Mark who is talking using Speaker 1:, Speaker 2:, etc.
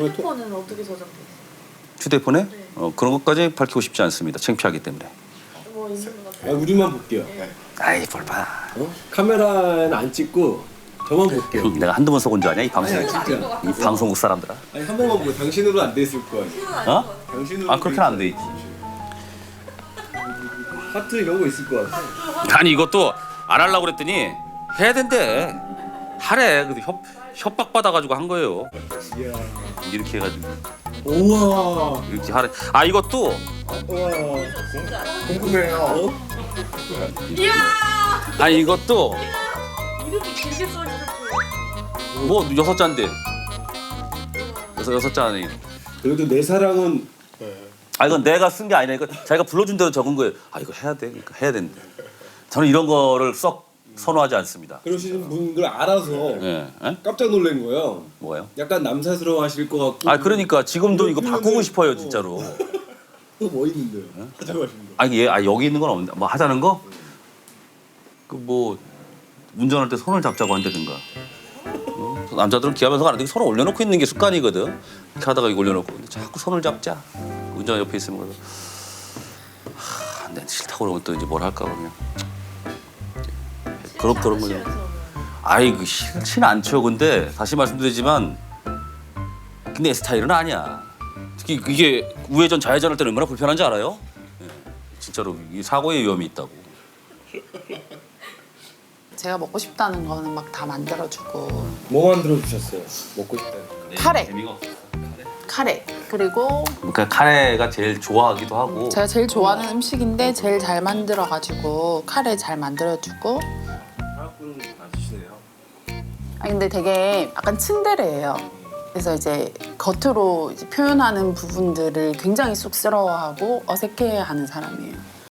Speaker 1: 휴대폰은 어떻게 저장돼 있어요?
Speaker 2: 휴대폰에?
Speaker 1: 네.
Speaker 2: 그런 것까지 밝히고 싶지 않습니다. 창피하기 때문에.
Speaker 1: 뭐 있는 것
Speaker 3: 아,
Speaker 1: 같아요.
Speaker 3: 우리만 볼게요.
Speaker 2: 아이 뭘 봐.
Speaker 3: 카메라는 안 찍고 저만 볼게요.
Speaker 2: 내가 한두 번 속은 줄 아냐 이 방송.
Speaker 3: 아니, 진짜.
Speaker 2: 이 방송국 사람들아.
Speaker 3: 아니 한 번만 보고 당신으로 안 돼 있을 거 아니에요.
Speaker 2: 어?
Speaker 3: 당신으로.
Speaker 2: 아 그렇게는 안 돼 있지.
Speaker 3: 하트 이런 거 있을 것 같아.
Speaker 2: 아니 이것도 안 하려고 그랬더니 해야 된대. 하래. 근데 협박 받아가지고 한 거예요.
Speaker 3: 이야.
Speaker 2: 이렇게 해가지고
Speaker 3: 우와.
Speaker 2: 이렇게 하래. 아 이것도
Speaker 3: 우와. 궁금해요.
Speaker 1: 이야!
Speaker 2: 아니 이것도
Speaker 1: 이렇게 길게 써주셨어요.
Speaker 2: 뭐 6잔인데. 그래서 6잔이.
Speaker 3: 그래도 내 사랑은
Speaker 2: 아 이건 내가 쓴 게 아니라 이거 자기가 불러준 대로 적은 거예요. 아 이거 해야 돼. 그러니까 해야 된대. 저는 이런 거를 썩 선호하지 않습니다.
Speaker 3: 그러시는 분인 걸 알아서
Speaker 2: 예. 예?
Speaker 3: 깜짝 놀란 거예요.
Speaker 2: 뭐가요?
Speaker 3: 약간 남사스러워하실 것 같고.
Speaker 2: 아 그러니까 지금도 이거 바꾸고 싶어요 진짜로.
Speaker 3: 또 뭐 있는데요? 하자고 하신 거.
Speaker 2: 아니 얘 여기 있는 건 없는데 뭐 하자는 거? 그 뭐 운전할 때 손을 잡자고 한다든가. 남자들은 기하면서 가는데 손을 올려놓고 있는 게 습관이거든. 이렇게 하다가 이거 올려놓고 근데 자꾸 손을 잡자. 운전 옆에 있으면 그래서 내 싫다고 그러면 또 이제 뭘 할까 그냥. 그런 거죠. 아이 그 싫진 않죠. 근데 다시 말씀드리지만 근데 내 스타일은 아니야. 특히 이게 우회전 좌회전할 때는 얼마나 불편한지 알아요? 예, 진짜로 이 사고의 위험이 있다고.
Speaker 4: 제가 먹고 싶다는 거는 막 다 만들어주고
Speaker 3: 뭐 만들어 주셨어요? 먹고 싶다니까.
Speaker 4: 카레.
Speaker 2: 재미가 없어.
Speaker 4: 카레 그리고
Speaker 2: 그러니까 카레가 제일 좋아하기도 하고.
Speaker 4: 제가 제일 좋아하는 음식인데 제일 잘 만들어가지고 카레 잘 만들어주고
Speaker 3: 한국분 맞으시네요.
Speaker 4: 아 근데 되게 약간 츤데레예요. 그래서 이제 겉으로 이제 표현하는 부분들을 굉장히 쑥스러워하고 어색해하는 사람이에요.